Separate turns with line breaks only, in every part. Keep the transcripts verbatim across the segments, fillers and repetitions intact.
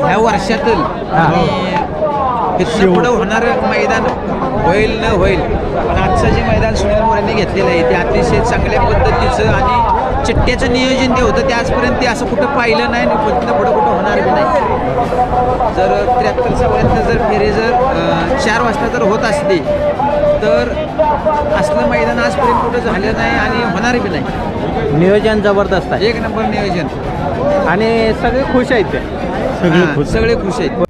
ह्या वर्षातील आणि तिथं पुढं होणारं मैदान होईल न होईल, पण आजचं जे मैदान सुनील मोरेंनी घेतलेलं आहे ते अतिशय चांगल्या पद्धतीचं आणि चिट्ट्याचं नियोजन जे होतं ते आजपर्यंत ते असं कुठं पाहिलं नाही आणि तिथं पुढं कुठं होणार बी नाही. जर त्र्याहत्तर चौऱ्याहत्तर जर फेरे जर अं, चार वाजता जर होत असली तर असलं मैदान आजपर्यंत कुठं झालं नाही आणि होणार बी नाही.
नियोजन जबरदस्त आहे
एक नंबर नियोजन
आणि सगळे खुश आहेत ते.
हां, सगळे खुश आहेत.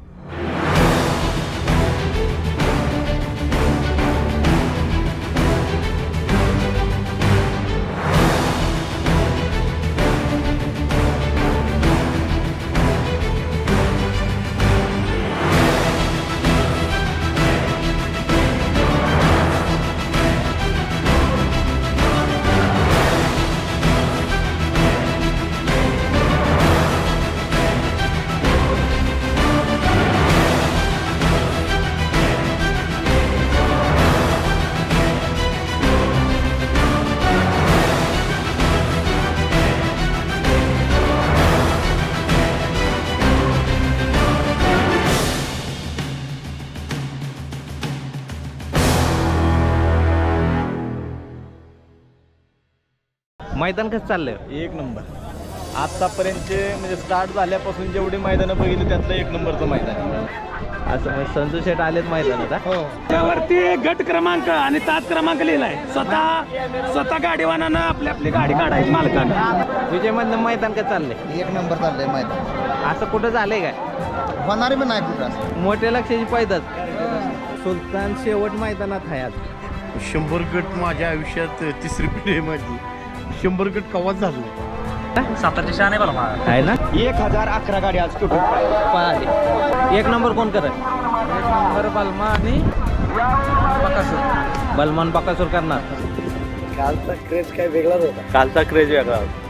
मैदान कसं चाललंय?
एक नंबर. आतापर्यंतचे म्हणजे स्टार्ट झाल्यापासून जेवढी मैदानं बघितली त्यातलं एक नंबरचं मैदान आहे.
असं म्हणजे संजू शेठ आलेत मैदानात.
हो.
त्यावरती गट क्रमांक आणि तास क्रमांक लिहिलाय. स्वतः स्वतः गाडीवानानं आपली आपली गाडी काढायची मालकानं.
विजय मधलं मैदान कसं चाललंय?
एक नंबर चाललंय मैदान.
असं कुठं झालंय काय?
होणार बी नाही कुठं असं.
मोठ्या लक्षाची पैदाच. सुलतान शेवट मैदानात आहे आज.
शंभर गट माझ्या आयुष्यात तिसरी पिढी आहे माझी. शंभर गट कवाच झालं.
सातारची शान आहे बरं
आहे ना?
एक हजार अकरा गाडी आज टोटल
पाहिले. एक नंबर कोण करत?
एक नंबर बलमा आणि बकासूर.
बलमान बकासूर करणार.
कालचा क्रेज काय वेगळाच होता.
कालचा क्रेज वेगळा होता.